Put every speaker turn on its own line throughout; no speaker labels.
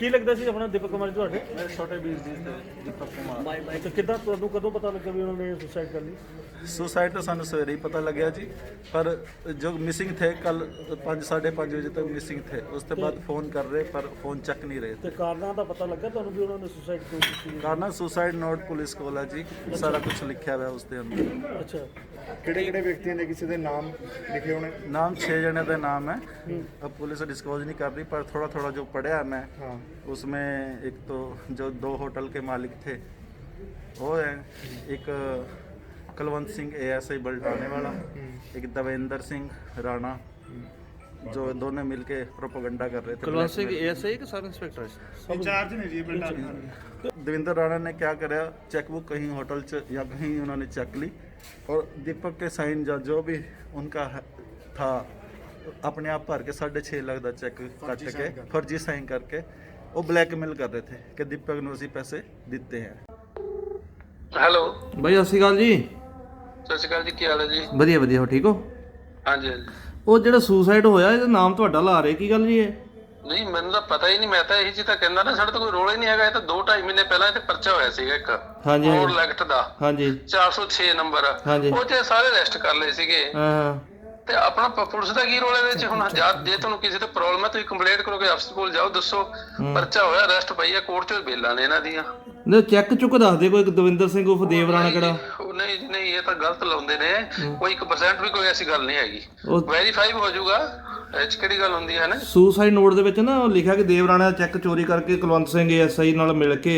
ਕੀ ਲੱਗਦਾ ਸੀ ਆਪਣਾ ਦੀਪਕ ਕੁਮਾਰ ਜੀ ਤੁਹਾਡੇ?
मेरे छोटे वीर जी थे दीपक कुमार।
ਤੇ ਕਿੱਦਾਂ ਤੁਹਾਨੂੰ ਕਦੋਂ ਪਤਾ ਲੱਗਾ ਵੀ ਉਹਨਾਂ ਨੇ ਸੁਸਾਈਡ ਕਰ ਲਈ?
सुसाइड तो सानू सवेरे ही पता लग्या जी, पर जो मिसिंग थे कल 5-5:30 बजे तक मिसिंग थे। उसके बाद फ़ोन कर रहे पर फ़ोन चक नहीं रहे
ਤੇ
थे।
ਕਾਰਨਾਂ ਦਾ ਪਤਾ ਲੱਗਾ ਤੁਹਾਨੂੰ ਵੀ ਉਹਨਾਂ ਨੇ ਸੁਸਾਈਡ ਕਿਉਂ ਕੀਤੀ?
कारण सुसाइड नोट पुलिस कोल है जी, सारा कुछ लिखा हुआ है उसके अंदर।
ਅੱਛਾ,
ਕਿਹੜੇ ਵਿਅਕਤੀਆਂ ਦੇ ਕਿਸੇ ਦੇ ਨਾਮ ਲਿਖੇ ਹੋਣੇ?
नाम 6 जने का नाम है, अब पुलिस डिस्क्लोज नहीं कर रही, पर थोड़ा थोड़ा जो पढ़ा है मैं
हाँ।
उसमें एक तो जो 2 होटल के मालिक थे वो है, एक कुलवंत सिंह ASI बल्टाने वाला, एक देवेंद्र सिंह राणा, जो दोनों मिलके प्रोपोगंडा कर रहे थे।
कुलवंत सिंह ASI के सब इंस्पेक्टर
इंचार्ज ने जी बेटा।
देवेंद्र राणा ने क्या करा, चेकबुक कहीं होटल च या कहीं उन्होंने चेक ली और दीपक के साइन जो भी उनका था अपने आप भर के 6.5 लाख का चेक कट के फर्जी साइन करके वो ब्लैकमेल कर रहे थे कि दीपक ने उसी पैसे देते हैं।
ਹੈਲੋ
ਬਾਈ ਸਤਿ ਸ਼੍ਰੀ ਅਕਾਲ ਜੀ।
ਸਤਿ ਸ਼੍ਰੀ ਅਕਾਲ ਜੀ, ਕੀ ਹਾਲ ਹੈ ਜੀ?
ਵਧੀਆ ਵਧੀਆ ਹੋ ਠੀਕ ਹੋ?
ਹਾਂਜੀ ਹਾਂਜੀ।
ਉਹ ਜਿਹੜਾ ਸੁਸਾਈਡ ਹੋਇਆ ਇਹਦਾ ਨਾਮ ਤੁਹਾਡਾ ਲਾ ਰਹੇ, ਕੀ ਗੱਲ ਜੀ ਇਹ?
ਨਹੀਂ ਮੈਨੂੰ ਤਾਂ ਪਤਾ ਹੀ ਨਹੀਂ, ਮੈਂ ਤਾਂ ਇਹੀ ਚੀਜ਼ ਤਾਂ ਕਹਿੰਦਾ ਨਾ, ਸਾਡੇ ਤਾਂ ਕੋਈ ਰੋਲ ਹੀ ਨਹੀਂ ਹੈਗਾ। ਇਹ ਤਾਂ 2-2.5 ਮਹੀਨੇ ਪਹਿਲਾਂ ਇਹ ਤੇ ਪਰਚਾ ਹੋਇਆ ਸੀਗਾ ਇੱਕ
ਹਾਂਜੀ
ਹੋਰ ਲੈਕਟ ਦਾ,
ਹਾਂਜੀ
406 ਨੰਬਰ,
ਹਾਂਜੀ।
ਉਹ 'ਚ ਸਾਰੇ ਅਰੈਸਟ ਕਰ ਲਏ ਸੀਗੇ।
ਹਾਂ
ਤੇ ਆਪਣਾ ਪੁਲਿਸ ਦਾ ਕੀ ਰੋਲ ਇਹਦੇ 'ਚ? ਹੁਣ ਜੇ ਤੁਹਾਨੂੰ ਕਿਸੇ ਤੇ ਪ੍ਰੋਬਲਮ ਹੈ ਤੁਸੀਂ ਕੰਪਲੇਂਟ ਕਰੋਗੇ, ਅਫਸਰ ਕੋਲ ਜਾਓ, ਦੱਸੋ ਪਰਚਾ ਹੋਇਆ, ਅਰੈਸਟ ਪਈ ਹੈ, ਕੋਰਟ 'ਚੋਂ ਬੇਲਾਂ ਨੇ ਇਹਨਾਂ ਦੀਆਂ।
ਨੇ ਚੈੱਕ ਚੁੱਕ ਦੱਸਦੇ ਕੋਈ ਦਵਿੰਦਰ ਸਿੰਘ ਉਫ ਦੇਵ ਰਾਣਾ ਕਿਹੜਾ?
ਉਹ ਨਹੀਂ ਜੀ, ਨਹੀਂ, ਇਹ ਤਾਂ ਗਲਤ ਲਾਉਂਦੇ ਨੇ, ਕੋਈ 1% ਵੀ ਕੋਈ ਐਸੀ ਗੱਲ ਨਹੀਂ ਹੈਗੀ,
ਉਹ
ਵੈਰੀਫਾਈ ਹੋ ਜਾਊਗਾ। ਇਹ 'ਚ ਕਿਹੜੀ ਗੱਲ ਹੁੰਦੀ ਹੈ ਨਾ।
ਸੁਸਾਈਡ ਨੋਟ ਦੇ ਵਿੱਚ ਨਾ ਉਹ ਲਿਖਿਆ ਕਿ ਦੇਵ ਰਾਣਾ ਦਾ ਚੈੱਕ ਚੋਰੀ ਕਰਕੇ ਕੁਲਵੰਤ ਸਿੰਘ ASI ਨਾਲ ਮਿਲ ਕੇ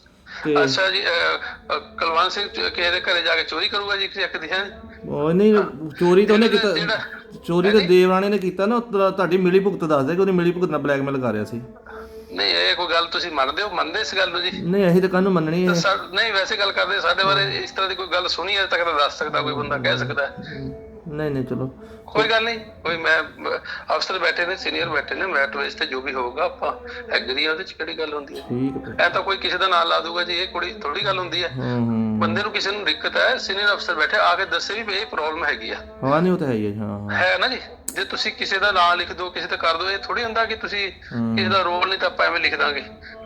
ਤੇ
ਅੱਛਾ ਜੀ, ਕੁਲਵੰਤ ਸਿੰਘ ਕਿਸੇ ਦੇ ਘਰੇ ਜਾ ਕੇ ਚੋਰੀ ਕਰੂਗਾ ਜੀ ਚੈੱਕ ਦੀ? ਹੈ
ਉਹ ਨਹੀਂ, ਚੋਰੀ ਤਾਂ ਉਹਨੇ ਕੀਤਾ,
ਜਿਹੜਾ
ਚੋਰੀ ਤਾਂ ਦੇਵ ਰਾਣੇ ਨੇ ਕੀਤਾ ਨਾ। ਉਹ ਤੁਹਾਡੀ ਮਿਲੀ ਭੁਗਤ ਦੱਸਦੇ ਕਿ ਉਹਨੇ ਮਿਲੀ ਭੁਗਤ ਨਾਲ ਬਲੈਕਮੇਲ ਕਰ ਰਿਹਾ ਸੀ।
ਨਹੀਂ, ਇਹ ਕੋਈ ਗੱਲ ਤੁਸੀਂ ਮੰਨਦੇ ਹੋ? ਮੰਨਦੇ ਇਸ ਗੱਲ ਨੂੰ ਜੀ?
ਨਹੀਂ ਅਸੀਂ ਤਾਂ ਕਾਹਨੂੰ ਮੰਨਣੀ ਹੈ।
ਨਹੀਂ, ਵੈਸੇ ਗੱਲ ਕਰਦੇ, ਸਾਡੇ ਬਾਰੇ ਇਸ ਤਰ੍ਹਾਂ ਦੀ ਕੋਈ ਗੱਲ ਸੁਣੀ ਅਜੇ ਤੱਕ ਤਾਂ ਦੱਸ ਸਕਦਾ ਕੋਈ ਬੰਦਾ, ਕਹਿ ਸਕਦਾ?
ਨਹੀਂ ਨਹੀਂ ਚਲੋ
ਕੋਈ ਗੱਲ ਨਹੀਂ, ਕੋਈ ਮੈਂ ਅਫਸਰ ਬੈਠੇ ਨੇ, ਸੀਨੀਅਰ ਬੈਠੇ ਨੇ, ਮੈਟ ਵੇਸ ਤੇ ਜੋ ਵੀ ਹੋਊਗਾ ਆਪਾਂ ਐਗਰੀ ਆ, ਉਹਦੇ 'ਚ ਕਿਹੜੀ ਗੱਲ ਹੁੰਦੀ ਹੈ?
ਠੀਕ ਹੈ।
ਐ ਤਾਂ ਕੋਈ ਕਿਸੇ ਦਾ ਨਾਂ ਲਾ ਦੂਗਾ ਜੀ, ਇਹ ਕੁੜੀ ਥੋੜੀ ਗੱਲ ਹੁੰਦੀ ਹੈ। ਬੰਦੇ ਨੂੰ ਕਿਸੇ ਨੂੰ ਦਿੱਕਤ ਹੈ, ਸੀਨੀਅਰ ਅਫਸਰ ਬੈਠੇ ਆ ਕੇ ਦੱਸੇ ਵੀ ਇਹ ਪ੍ਰੋਬਲਮ ਹੈਗੀ ਆ।
ਹਾਂ ਨਹੀਂ ਉਹ ਤਾਂ ਹੈ ਹੀ ਹੈ। ਹਾਂ
ਹੈ ਨਾ ਜੀ, ਜੇ ਤੁਸੀਂ ਕਿਸੇ ਦਾ ਨਾਂ ਲਿਖ ਦਿਓ, ਕਿਸੇ ਤੇ ਕਰ ਦਿਓ, ਇਹ ਥੋੜੀ ਹੁੰਦਾ ਕਿ ਤੁਸੀਂ ਕਿਸੇ ਦਾ ਰੋਲ ਨਹੀਂ ਤਾਂ ਆਪਾਂ ਐਵੇਂ ਲਿਖ ਦਾਂਗੇ।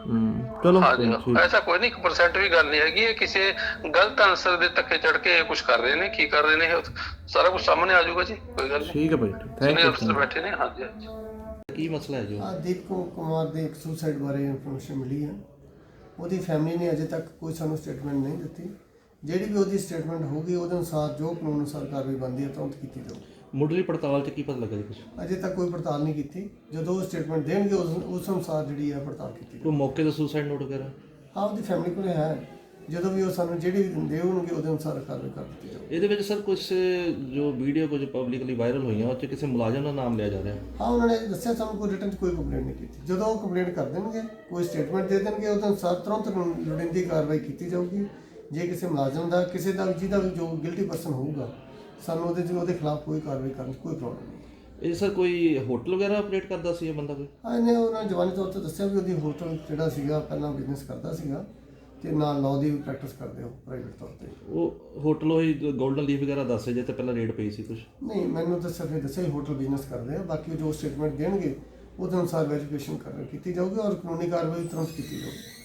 ਚਲੋ
ਹਾਂਜੀ, ਐਸਾ ਕੋਈ ਨਹੀਂ, 1% ਵੀ ਗੱਲ ਨਹੀਂ ਹੈਗੀ। ਇਹ ਕਿਸੇ ਗਲਤ ਆਨਸਰ ਦੇ ਧੱਕੇ ਚੜ ਕੇ ਕੁਝ ਕਰ ਰਹੇ ਨੇ, ਕੀ ਕਰ ਰਹੇ ਨੇ ਇਹ ਸਾਰਾ ਕੁਝ ਸਾਹਮਣੇ ਆ ਜਾਊਗਾ ਜੀ, ਕੋਈ ਗੱਲ ਨਹੀਂ।
ਠੀਕ ਹੈ ਭਾਈ, ਥੈਂਕ
ਸੀਨੀਅਰ
ਯੂ।
ਅਫਸਰ ਬੈਠੇ ਨੇ। ਹਾਂਜੀ ਹਾਂਜੀ।
ਕੀ ਮਸਲਾ ਹੈ ਜੀ?
ਦੀਪਕ ਕੁਮਾਰ ਦੇ ਇੱਕ ਸੁਸਾਈਡ ਬਾਰੇ ਇਨਫੋਰਮੇਸ਼ਨ ਮਿਲੀ ਹੈ। ਉਹਦੀ ਫੈਮਿਲੀ ਨੇ ਅਜੇ ਤੱਕ ਕੋਈ ਸਾਨੂੰ ਸਟੇਟਮੈਂਟ ਨਹੀਂ ਦਿੱਤੀ। ਜਿਹੜੀ ਵੀ ਉਹਦੀ ਸਟੇਟਮੈਂਟ ਹੋਊਗੀ ਉਹਦੇ ਅਨੁਸਾਰ ਜੋ ਕਾਨੂੰਨ ਅਨੁਸਾਰ ਕਾਰਵਾਈ ਬਣਦੀ ਹੈ ਤੁਰੰਤ ਕੀਤੀ ਜਾਊਗੀ।
ਮੁੱਢਲੀ ਪੜਤਾਲ 'ਚ ਕੀ ਪਤਾ ਲੱਗਾ ਜੀ ਕੁਝ?
ਅਜੇ ਤੱਕ ਕੋਈ ਪੜਤਾਲ ਨਹੀਂ ਕੀਤੀ। ਜਦੋਂ ਉਹ ਸਟੇਟਮੈਂਟ ਦੇਣਗੇ ਉਸ ਅਨੁਸਾਰ ਜਿਹੜੀ ਹੈ ਪੜਤਾਲ ਕੀਤੀ ਜਾਊਗੀ।
ਕੋਈ ਮੌਕੇ ਦਾ ਸੁਸਾਈਡ ਨੋਟ ਵਗੈਰਾ?
ਹਾਂ, ਉਹਦੀ ਫੈਮਿਲੀ ਕੋਲ ਹੈ। ਜਦੋਂ ਵੀ ਉਹ ਸਾਨੂੰ ਜਿਹੜੀ ਵੀ ਦਿੰਦੇ ਹੋਣਗੇ ਉਹਦੇ ਅਨੁਸਾਰ ਕਾਰਵਾਈ ਕਰ ਦਿੱਤੀ ਜਾਊਗੀ।
ਇਹਦੇ ਵਿੱਚ ਸਰ ਕੁਝ ਜੋ ਵੀਡੀਓ ਕੁਝ ਪਬਲਿਕਲੀ ਵਾਇਰਲ ਹੋਈਆਂ ਉਹ 'ਚ ਕਿਸੇ ਮੁਲਾਜ਼ਮ ਦਾ ਨਾਮ ਲਿਆ ਜਾ ਰਿਹਾ?
ਹਾਂ, ਉਹਨਾਂ ਨੇ ਦੱਸਿਆ ਸਾਨੂੰ ਕੋਈ ਰਿਟਨ 'ਚ ਕੋਈ ਕੰਪਲੇਂਟ ਨਹੀਂ ਕੀਤੀ। ਜਦੋਂ ਉਹ ਕੰਪਲੇਂਟ ਕਰ ਦੇਣਗੇ, ਕੋਈ ਸਟੇਟਮੈਂਟ ਦੇ ਦੇਣਗੇ, ਉਹਦੇ ਅਨੁਸਾਰ ਤੁਰੰਤ ਲੋੜੀਂਦੀ ਕਾਰਵਾਈ ਕੀਤੀ ਜਾਊਗੀ। ਜੇ ਕਿਸੇ ਮੁਲਾਜ਼ਮ ਦਾ, ਕਿਸੇ ਦਾ ਜਿਹਦਾ ਵੀ ਜੋ ਗਿਲਟੀ ਪਰਸਨ ਹੋਊਗਾ, ਸਾਨੂੰ ਉਹਦੇ ਖਿਲਾਫ ਕੋਈ ਕਾਰਵਾਈ ਕਰਨ 'ਚ ਕੋਈ ਪ੍ਰੋਬਲਮ ਨਹੀਂ।
ਇਹ ਸਰ ਕੋਈ ਹੋਟਲ ਵਗੈਰਾ ਆਪਰੇਟ ਕਰਦਾ ਸੀ ਇਹ ਬੰਦਾ ਕੋਈ?
ਹਾਂ, ਇਹਨੇ ਉਹਨਾਂ ਜਵਾਨੀ ਤੌਰ ਤੇ ਦੱਸਿਆ ਵੀ ਉਹਦੀ ਹੋਟਲ ਜਿਹੜਾ ਸੀਗਾ ਪਹਿਲਾਂ ਬਿਜ਼ਨਸ ਕਰਦਾ ਸੀਗਾ ਤੇ ਨਾਲ ਲਾਅ ਦੀ ਵੀ ਪ੍ਰੈਕਟਿਸ ਕਰਦੇ ਹੋ ਪ੍ਰਾਈਵੇਟ ਤੌਰ ਤੇ।
ਉਹ ਹੋਟਲ ਉਹੀ ਗੋਲਡਨ ਲੀਫ ਵਗੈਰਾ ਦੱਸੇ ਜੇ ਤੇ ਪਹਿਲਾਂ ਰੇਡ ਪਈ ਸੀ ਕੁਝ?
ਨਹੀਂ, ਮੈਨੂੰ ਤਾਂ ਸਿਰਫ ਇਹ ਦੱਸਿਆ ਹੀ ਹੋਟਲ ਬਿਜ਼ਨਸ ਕਰਦੇ ਆ। ਬਾਕੀ ਜੋ ਸਟੇਟਮੈਂਟ ਦੇਣਗੇ ਉਹਦੇ ਅਨੁਸਾਰ ਵੈਰੀਫਿਕੇਸ਼ਨ ਕੀਤੀ ਜਾਊਗੀ ਔਰ ਕਾਨੂੰਨੀ ਕਾਰਵਾਈ ਤੁਰੰਤ ਕੀਤੀ ਜਾਊਗੀ।